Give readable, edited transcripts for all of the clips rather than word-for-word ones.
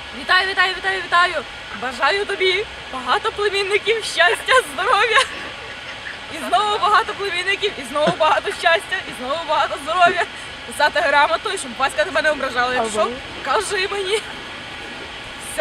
Вітаю, вітаю, вітаю, вітаю! Бажаю тобі багато племінників, щастя, здоров'я! І знову багато племінників, і знову багато щастя, і знову багато здоров'я. Писати грамоту, і щоб батька тебе не ображала. Якщо, кажи мені. Все.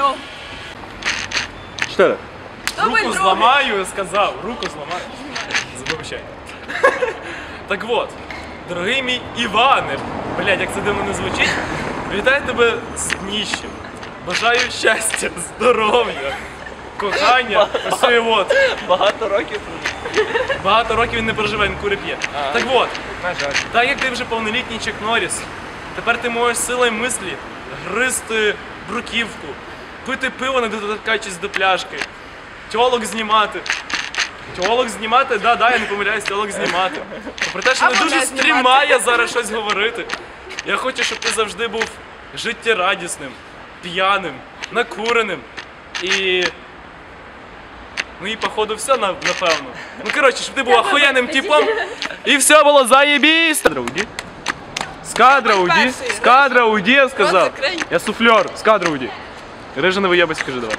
4. Руку зламаю, сказав. Руку зламаю. Забувай. Так от, дорогий мій Іване, блядь, як це дивно не звучить, вітаю тебе з дніщем. Бажаю щастя, здоров'я, кохання, ось і от. Багато років. Багато років він не проживе, він кури п'є. Так от, так як ти вже повнолітній Чак Норріс, тепер ти можеш силою мислі гризти бруківку, пити пиво, не доторкаючись до пляшки, тьолок знімати. Тьолок знімати? Да, я не помиляюсь, тьолок знімати. Про те, що не дуже стрімає зараз щось говорити. Я хочу, щоб ти завжди був життєрадісним, п'яним, накуреним і... Ну і походу все, напевно. Ну коротше, щоб ти був охуєнним типом і все було заєбісь. З кадра уйди, з кадра уйди, я сказав. Я суфлер, з кадра уйди. Рижа не виєбись, скажи давай.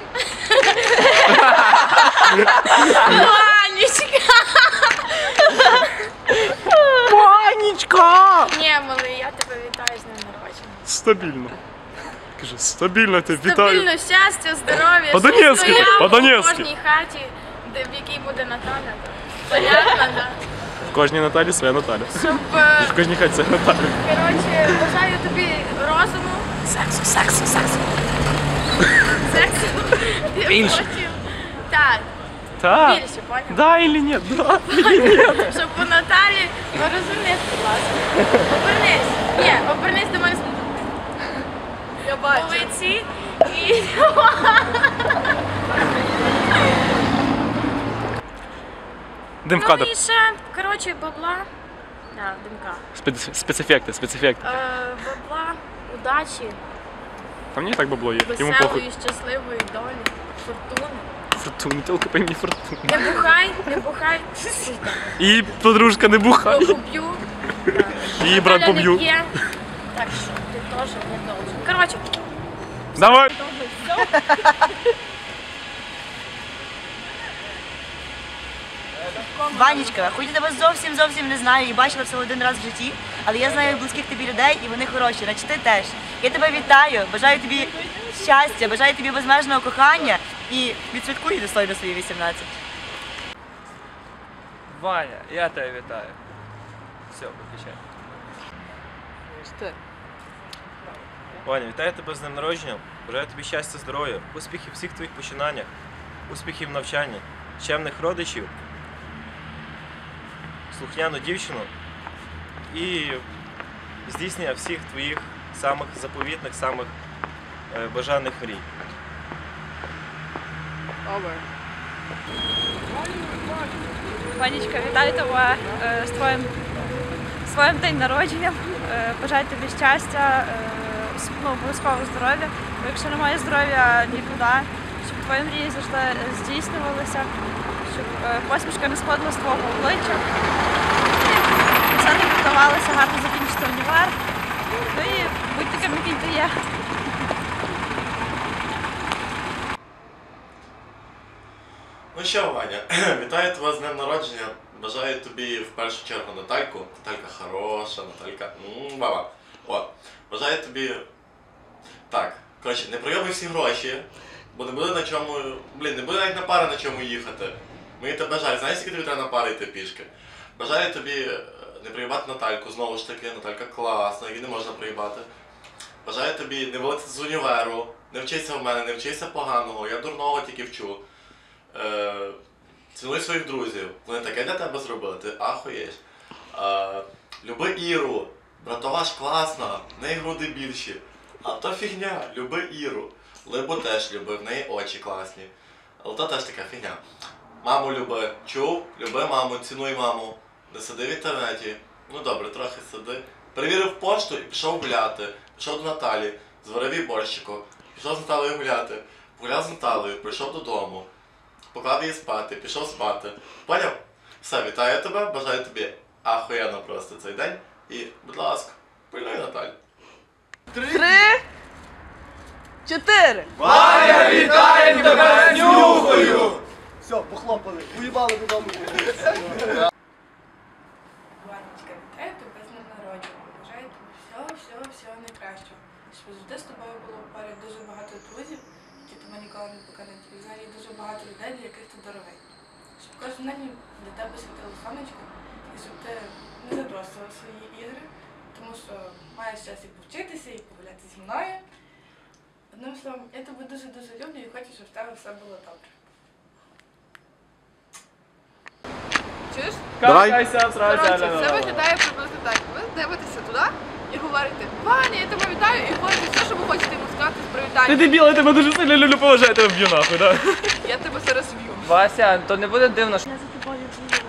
Панічка! Ні, малий, я тебе вітаю з днем народження. Стабільно. Кажи, стабільно тебе вітаю. Стабільно, щастя, здоров'я, По-донецьки, по-донецьки. в кожній хаті, в якій буде Наталя. Понятно, да? В кожній Наталі своя Наталя. Щоб, В кожній хаті своя Наталя. коротше, бажаю тобі розуму. Сексу. Більше. Так, Так. більше, поняв? Да или нет? Да. Щоб у Наталі, ну розумієш, будь ласка. Обернись. Ні, обернись до мене. Я бачу. У лиці і... Дим в Ну кадр. і ще, коротше, бабла. Да, димка. Спецефекти, спецефекти. Бабла, удачі, Там не так бабло є. Йому похуй. веселої, щасливої долі, фортуни. Фортуна, тілка по імені Фортуна. Не бухай, сука. І подружка не бухає. Поб'ю. Її брат Наталя не поб'ю. п'є. Так що ти теж не должен. Коротше, Давай. Ванечка, хоч я тебе зовсім не знаю і бачила всього один раз в житті, але я знаю близьких тобі людей і вони хороші, значить ти теж. Я тебе вітаю, бажаю тобі щастя, бажаю тобі безмежного кохання і відсвяткуй достойно свої 18. Ваня, я тебе вітаю. Все, виключай. Ваня, вітаю тебе з днем народження. Бажаю тобі щастя, здоров'я, успіхів у всіх твоїх починаннях, успіхів в навчанні, чемних родичів, слухняну дівчину і здійснення всіх твоїх самих заповітних, самих бажаних мрій. Ванечка, вітаю тебе з твоїм день народження. Бажаю тобі щастя, обов'язково здоров'я. Бо якщо немає здоров'я, нікуди. Щоб твої мрії завжди здійснювалися, щоб посмішка не сходила з твого обличчя. Все тобі вдавалося гарно закінчити універ. Ну і будь таким, який ти є. Ну що, Ваня, вітаю тебе з днем народження. Бажаю тобі в першу чергу Натальку. Наталька хороша, Наталька. Баба. О, бажаю тобі. Так, коротше, не пройоби всі гроші, бо не буде на чому. Не буде навіть на пари на чому їхати. Мені тебе жаль, знаєш, скільки тобі треба на пари йти пішки? Бажаю тобі не проїбати Натальку, знову ж таки, Наталька класна, її не можна проїбати. Бажаю тобі не вилетіти з універу, не вчися в мене, не вчися поганого, я дурного тільки вчу. Цінуй своїх друзів, вони таке для тебе зробили, ти ахуєш. Люби Іру, братова ж класна, в неї груди більші. А то фігня, люби Іру. Либу теж люби, в неї очі класні. Але то теж така фігня. Маму люби, чув? Люби маму, цінуй маму. Не сиди в інтернеті. Ну добре, трохи сиди. Перевірив пошту і пішов гуляти. Пішов до Наталі, зварив їй борщику. Пішов з Наталею гуляти. Погуляв з Наталею, прийшов додому. Поклав її спати, пішов спати. Поняв? Все, вітаю тебе, бажаю тобі ахуєнно просто цей день. І, будь ласка, пильнуй Наталю. 3, 4. Ваня, вітаємо тебе з нюхою! Все, похлопали, уїбали додому. Ванечка, вітаю тебе з днем народження. Бажаю тобі всього найкращого. Щоб завжди з тобою було поряд дуже багато друзів, які тебе ніколи не покинуть. І взагалі дуже багато людей, для яких ти дорогий. Щоб кожен день для тебе світило сонечко, і щоб ти не забросила свої ігри, тому що маєш час і повчитися, і погуляти зі мною. Одним словом, я тебе дуже-дуже люблю і хочу, щоб в тебе все було добре. Чуєш? Давай. Коротше, це виглядає приблизно так. Ви дивитеся туди і говорите: Ваня, я тебе вітаю, і говорите все, що ви хочете йому сказати з Ти привітання. дебіл, я тебе дуже сильно люблю, поважаю, тебе вб'ю нахуй, да? Я тебе зараз вб'ю. Вася, то не буде дивно, що... Я за тобою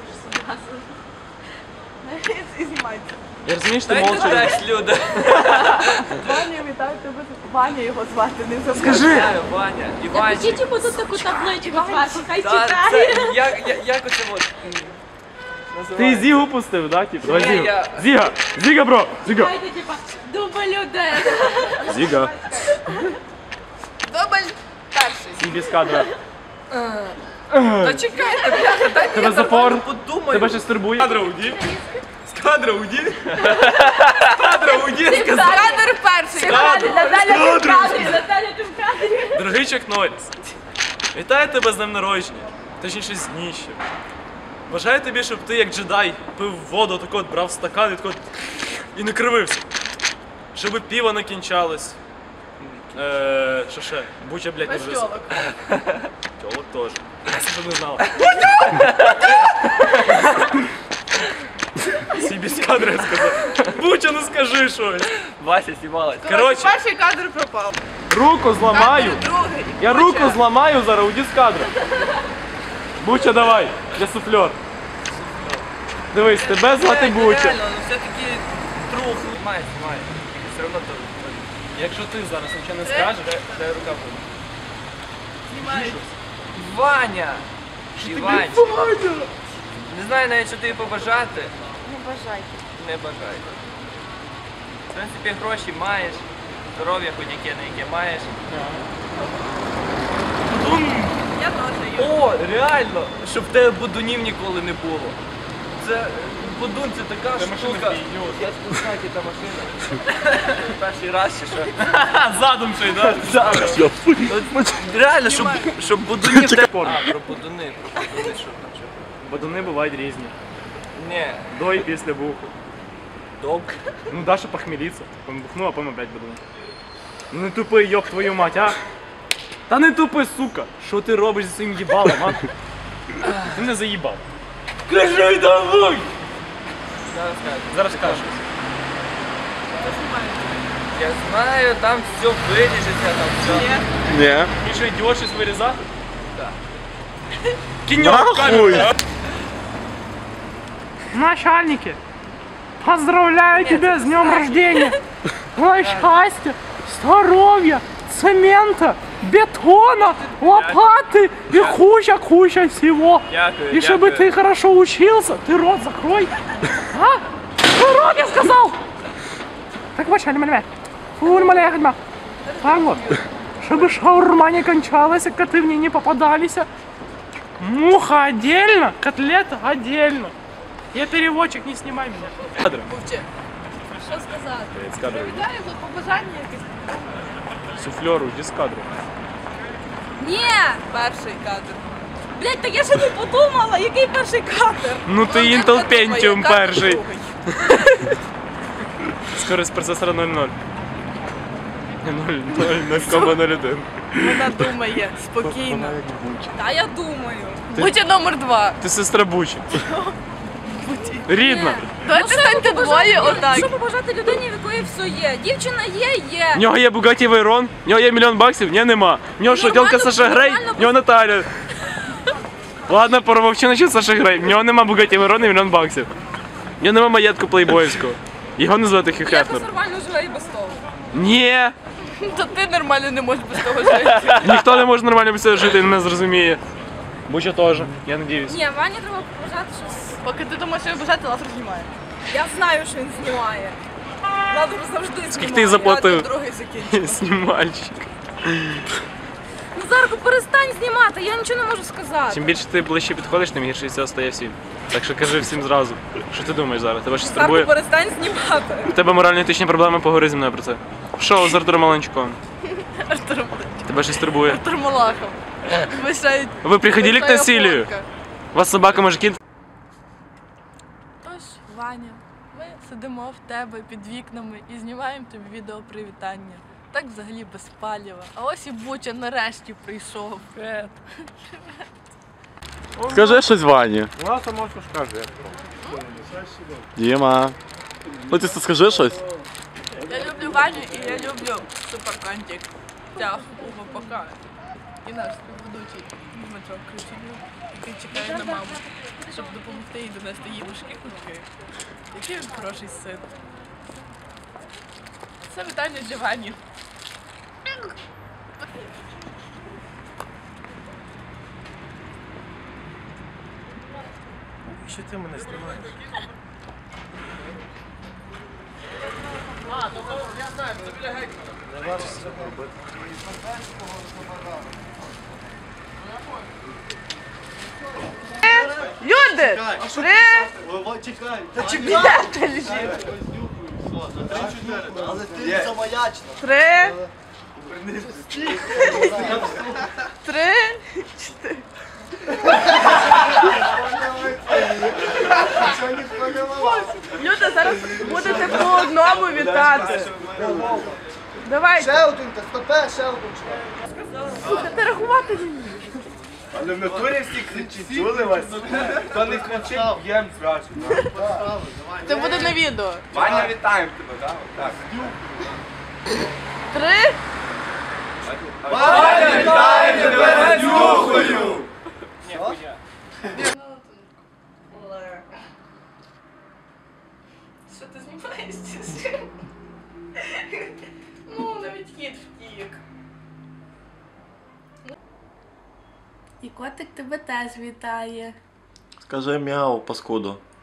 приїду і знімається. Я розумію, що ти Дай молча. теж, Люда. Ваня, вітаю тебе. Ваня його звати, не забудь. Скажи! Ваня, Іванчик. Напишіть йому тут таку табличку зверху, хай Та, читає. це, як оце от? Ти Зігу пустив, да, типу? Давай Ні, Зігу. я- Зіга! Зіга, бро! Зіга! Дайте, типа, дубль один. Зіга! Дубль перший. Сій без кадра. Та чекайте, бляха, дайте Тебе запор? Подумай. Тебе щось турбує? З кадра уйди! З кадра уйди! З кадра уйди! кадр перший. Наталя, ти в кадрі, Наталя, ти в кадрі. Дорогий Чак Норріс, вітаю тебе з днем народження, точніше з дніщем. Бажаю тобі, щоб ти як джедай пив воду, так от брав стакан і так от і не кривився. Щоб пиво не кінчалось. Що ще? Буча, блядь, не вже. Тьолок. Тьолок теж. Я щоб не знала. Сі без кадра я сказав. Буча, ну скажи щось. Вася сівалась. Коротше, Перший кадр пропав. руку зламаю. Кадр другий. Я руку зламаю зараз, уйди з кадра. Буча, давай, я суфлер. Дивись, тебе звати Буча. Реально, ну все-таки трух. Знімай. Все одно то. Якщо ти зараз нічого не скажеш, Дай рука буде. Знімають. Ваня! Іванчик. Не знаю навіть, що тобі побажати. Не бажайте. Не бажаю. В принципі, гроші маєш, здоров'я хоч яке маєш. Я теж є. О, реально, щоб в тебе будунів ніколи не було. Це будун, це така штука. Я спускаю, та машина. Перший раз чи що? задом ще й, да? От реально, щоб будунів в тебе... А, про будуни, що там, що? Бадуни бувають різні. Ні, До і після буху. док. Ну, Даша похмелиться. Потім бухну, а потім опять бадун. Ну не тупи, йоб твою мать, а? Та не тупи, сука! Що ти робиш зі своїм їбалом, а? Ти мене заїбав. Кажи давай! Зараз скажу. Зараз кажеш. Я знаю, там все виріжеться, там все. Ні. І що, йдеш щось вирізати? Так. Кіньок камеру. Начальники, поздравляю тебя с днем рождения! Ой, счастья, здоровья, цемента, бетона, лопаты и куча всего. Дякую, И чтобы ты хорошо учился, ты рот закрой. А? Ты рот, я сказал! Так вот, шальма, фурмаля, ходьма. Так вот, чтобы шаурма не кончалась, и коты в ней не попадались. Муха отдельно, котлета отдельно. Я переводчик, не снимай меня. Кадр. Мовчи. Що сказати? З кадру. Вітаю, тут побажання якесь. Суфлеру, иди с кадру. Ні! Перший кадр. Блять, так я ще не подумала, який перший кадр. Ну ти Ну, Intel так думаю, Pentium кадр перший. другий. Скорость процесора 0,0. 0,01. Вона думає спокійно. Та я думаю. Будьте номер 2. Ти сестра Бучі. Рідна. Давайте станьте двоє отак. Що побажати людині, в якої все є? Дівчина є. В нього є Bugatti Veyron, в нього є $1 мільйон, в нього нема. В нього що, Нормально, тілка Саша Грей, нормально, в нього Наталя. Ладно, поромовчи насчет Саша Грей. В нього нема Bugatti Veyron і $1 мільйон. В нього нема маєтку плейбойського. Його не звати Хью Я Хефнер. нормально живе і без того. Ні, То ти нормально не можеш без того жити. ніхто не може нормально без цього жити, він не зрозуміє. Буча теж, я надіюсь. Ні, Вані треба побажати щось. Поки ти думаєш, що бажати, лазер знімає. Я знаю, що він знімає. Лазер завжди знімає. Скільки ти заплатив? Другий закінчив. Знімальщик. Назарку, перестань знімати, я нічого не можу сказати. Чим більше ти ближче підходиш, тим гірше від цього стає всім. Так що кажи всім зразу. Що ти думаєш зараз? Тебе щось Назарку, турбує? перестань знімати. У тебе морально-етичні проблеми, поговори зі мною про це. Шоу з Артуром Маленчуком. Артур Тебе щось турбує? Малахов. Вишають. Ви приходили к насилию? У вас собака мужики? Тож, Ваня, ми сидимо в тебе під вікнами і знімаємо тобі відео привітання. Так взагалі без паліва. А ось і Буча нарешті прийшов. Скажи щось Вані. Ну, то можна скажи. Діма. Ну ти скажи щось. Я люблю Ваню і я люблю суперконтик. Тяг у ВПК. І наш ведучий Дмитро Криченюк, який чекає на маму, щоб допомогти їй донести їй важкі кутки. Який він хороший син. Це вітання для Вані. Що ти мене знімаєш? Не варто це робити. Люди! Чекай! Та чекай! Але ти замаячна. 3, 3. Люди, зараз будете по одному вітати. Давайте. Ще один, та стопе, ще один. Слухайте, рахувати не вмію. Але в натурі всі кричать, чули вас? Хто не кричить, б'єм зразу. Це буде на відео. Ваня, вітаємо тебе, так? 3. Ваня, вітаємо тебе з нюхою! Що ти знімаєшся? Ну, навіть кіт втік. І котик тебе теж вітає. Скажи мяу, паскуду.